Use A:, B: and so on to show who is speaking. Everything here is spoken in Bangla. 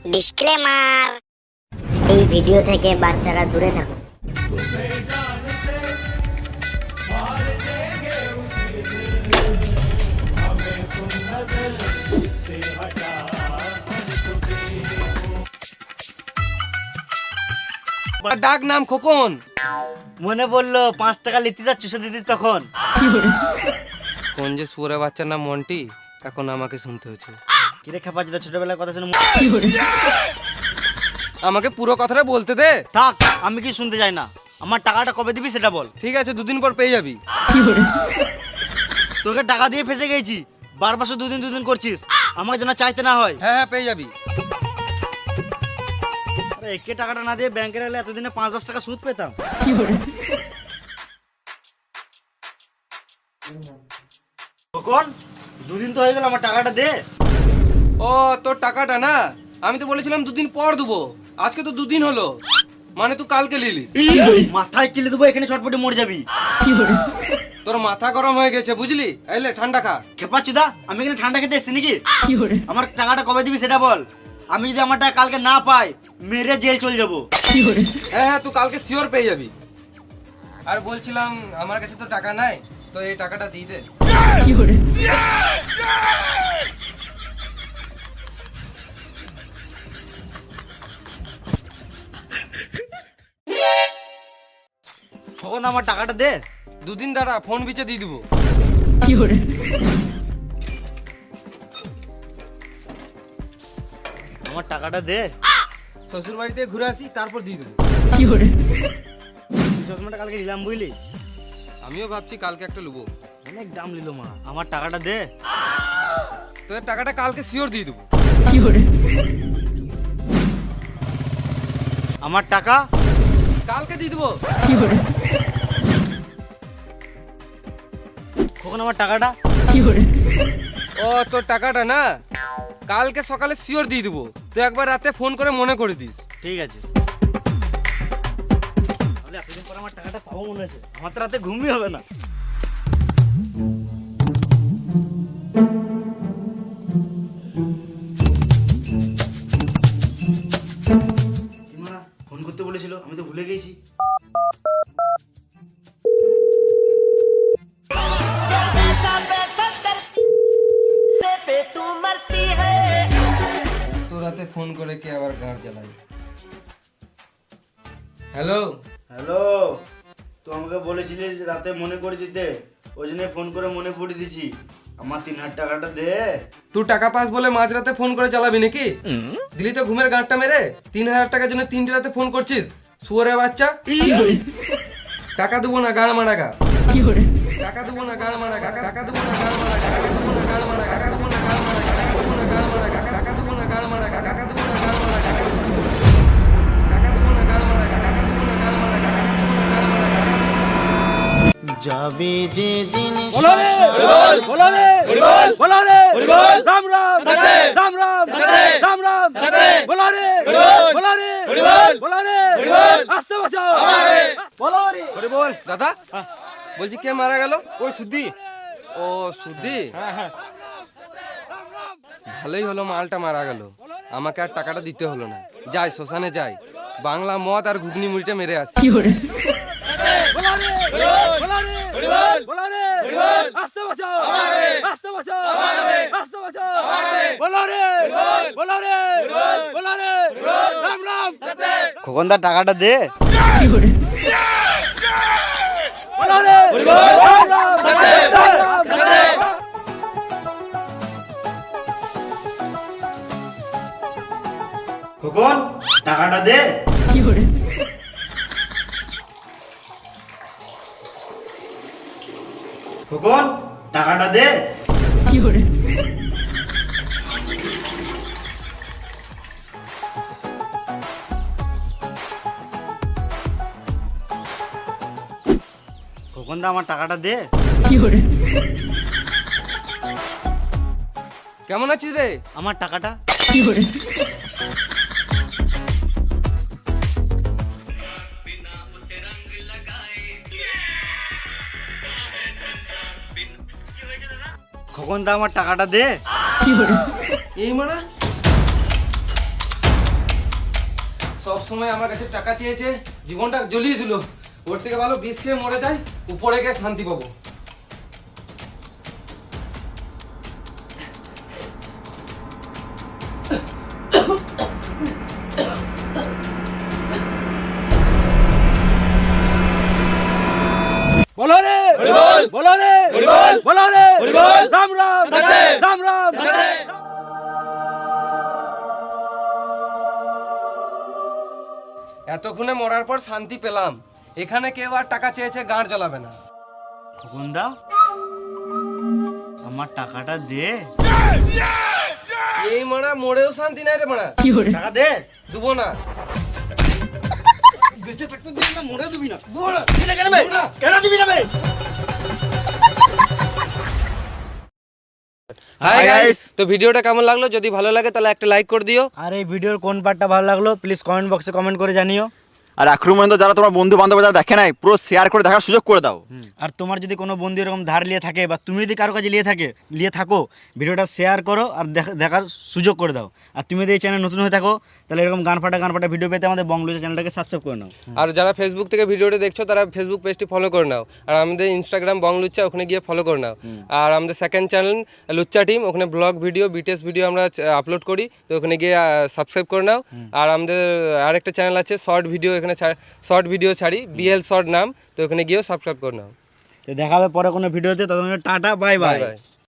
A: ডিসক্লেমার, এই ভিডিও থেকে বাচ্চারা দূরে থাকুন।
B: ডাক নাম খোকন।
C: মনে বললো 5 টাকা লিতে যা চুষে দিতিস তখন।
B: কোন যে সুরে বাচ্চার নাম মন্টি, এখন আমাকে শুনতে হচ্ছে।
C: কিরে খেপা, যেটা ছোটবেলার কথা শুনে
B: আমাকে পুরো কথাটা বলতে দে।
C: থাক, আমি কি শুনতে চাই না। আমার টাকাটা কবে দিবি সেটা বল।
B: ঠিক আছে, 2 দিন পর পেয়ে যাবি।
C: তোকে টাকা দিয়ে ফেসে গেছি, বারবার শুধু দুদিন করছিস, আমাকে যেন চাইতে না হয়।
B: হ্যাঁ হ্যাঁ, পেয়ে যাবি।
C: আরে একে টাকাটা না দিয়ে ব্যাংকে রাখলে এতদিনে 5-10 টাকা সুদ পেতাম। কখন 2 দিন তো হয়ে গেল, আমার টাকাটা দে।
B: ও, তোর টাকাটা না, আমি তো বলেছিলাম 2 দিন পর দেবো। আজকে তো 2 দিন হলো, মানে তুই কালকে লিলিস।
C: মাথায় কিলে দেবো, এখানে চটপটে মরে যাবি।
B: তোর মাথা গরম হয়ে গেছে বুঝলি, এলে ঠান্ডা খা।
C: খেপা চুদা, আমি এখানে ঠান্ডা খেতে এসেছি নাকি? আমার টাকাটা কবে দিবি সেটা বল। আমি যদি আমার টাকা কালকে না পাই, মেরে জেল চলে যাবো।
B: হ্যাঁ হ্যাঁ, তুই কালকে শিওর পেয়ে যাবি। আর বলছিলাম, আমার কাছে তো টাকা নাই, তো এই টাকাটা দিয়ে দে।
C: কখন আমার টাকাটা দে।
B: 2 দিন দাঁড়া, ফোন বিচে দিয়ে দিবো।
C: আমার টাকাটা দে।
B: শ্বশুর বাড়িতে ঘুরে আসি, তারপর দিয়ে দেবো।
C: চশমাটা কালকে নিলাম বুঝলি,
B: আমিও ভাবছি কালকে একটা লুবো।
C: অনেক দাম নিল মা। আমার টাকাটা দে।
B: তোদের টাকাটা কালকে শিওর দিয়ে দেবো।
C: আমার টাকা
B: কালকে দিয়ে দেবো।
C: কখন আমার টাকাটা?
B: ও, তোর টাকাটা না, কালকে সকালে শিওর দিয়ে দেবো। তুই একবার রাতে ফোন করে মনে করে দিস।
C: ঠিক আছে। তাহলে এতদিন পর আমার টাকাটা পাবো মনে আছে। আমার তো রাতে ঘুমই হবে না। ফোন করতে বলেছিল, আমি তো ভুলে গেছি।
B: তো রাতে ফোন করে কে আবার গাঁট জ্বালাই। হ্যালো।
C: হ্যালো, তো আমাকে বলেছিলিস রাতে মনে করে দিতে, ওই জন্য ফোন করে মনে পড়ে দিছি। আমার 3000 টাকাটা দে।
B: তুই টাকা পাস বলে মাঝরাতে ফোন করে চালাবি নাকি? দিলি তো ঘুমের গাঁটটা মেরে। 3000 টাকার জন্য 3টে রাতে ফোন করছিস, শুয়োরের বাচ্চা। টাকা দেবো না, গাড় মারা গা। টাকা দেবো না, গাড় মারা গা। টাকা দেবো না, গাড় মারা গা। টাকা দেবো না, গাড় মারা গা। টাকা দেবো না, গাড় মারা গা। টাকা দেবো না, গাড় মারা গা। টাকা দেবো না, গাড় মারা গা। টাকা দেবো না, গাড় মারা গা। টাকা দেবো না, গাড় মারা গা। টাকা দেবো না, গাড় মারা গা।
C: যাবে যে দিন
D: बोलो रे बोलो रे बोलो रे राम राम राम राम राम राम बोलो रे बोलो रे आस्ते बचाओ बोलो रे
B: ওরে বল দাদা, বলছি কে মারা গেল?
D: ওই সুদ্ধি।
B: ও, সুদ্ধি। ভালোই হলো, মালটা মারা গেল, আমাকে আর টাকাটা দিতে হলো না। যাই শ্মশানে যাই, বাংলা মদ আর ঘুগনি মুড়িটা মেরে আসি।
D: बोलो रे आस्ते बचाओ आस्ते बचाओ आस्ते बचाओ बोलो रे राम राम
C: খোকনদার টাকাটা দে।
D: बोलो रे राम राम
C: খোকন টাকাটা দে। খোকন টাকাটা দে। খোকনদা আমার টাকাটা দে।
B: কেমন আছিস রে?
C: আমার টাকাটা। খোকন দা আমার টাকাটা দে।
B: এই মারা সব সময় আমার কাছে টাকা চেয়েছে, জীবনটা জ্বলিয়ে দিল। ওর থেকে ভালো বিষ খেয়ে মরে যায়, উপরে গিয়ে শান্তি পাবো।
D: बोलो रे बोल बोलो रे बोल बोलो रे बोल राम राम सत्य राम राम सत्य।
B: এতক্ষণে মরার পর শান্তি পেলাম। এখানে কেউ আর টাকা চেয়েছে গাঁড় জ্বলাবে না।
C: খোকনদা, আমার টাকাটা দে।
B: এই মারা মরেও শান্তি নাই রে মারা।
C: টাকা দে।
B: দেবো না।
C: বেঁচে থাকতে দিবি না, মরে দিবি না।
B: দেবো না।
C: কেন বে? কেন দিবি না বে?
B: হাই গাইস, তো ভিডিওটা কেমন লাগলো? যদি ভালো লাগে তাহলে একটা লাইক করে দিও।
C: আর এই ভিডিওর কোন পার্টটা ভালো লাগলো প্লিজ কমেন্ট বক্সে কমেন্ট করে জানিও।
E: আর আক্রমণ তো যারা তোমার বন্ধু বান্ধব যারা দেখে নাই, পুরো শেয়ার করে দেখার সুযোগ করে দাও।
C: আর তোমার যদি কোনো বন্ধু এরকম ধার নিয়ে থাকে বা তুমি যদি কারো কাছে নিয়ে থাকো, ভিডিওটা শেয়ার করো আর দেখার সুযোগ করে দাও। আর তুমি যদি এই চ্যানেল নতুন হয়ে থাকো তাহলে এরকম গান ফাটা ভিডিও পেতে আমাদের বংলুচা চ্যানেলটাকে সাবস্ক্রাইব করে নাও।
B: আর যারা ফেসবুক থেকে ভিডিওটা দেখছো তারা ফেসবুক পেজটি ফলো করে নাও। আর আমাদের ইনস্টাগ্রাম বং লুচ্চা, ওখানে গিয়ে ফলো করে নাও। আর আমাদের সেকেন্ড চ্যানেল লুচ্চা টিম, ওখানে ব্লগ ভিডিও বিটিএস ভিডিও আমরা আপলোড করি, তো ওখানে গিয়ে সাবস্ক্রাইব করে নাও। আর আমাদের আরেকটা চ্যানেল আছে শর্ট ভিডিও, এখানে শর্ট ভিডিও ছাড়ি, বিএল শর্ট নাম, তো ওখানে গিয়েও সাবস্ক্রাইব করে নাও।
C: তো দেখা হবে পরে কোনো ভিডিওতে, ততক্ষণ টাটা বাই বাই।
B: বাই।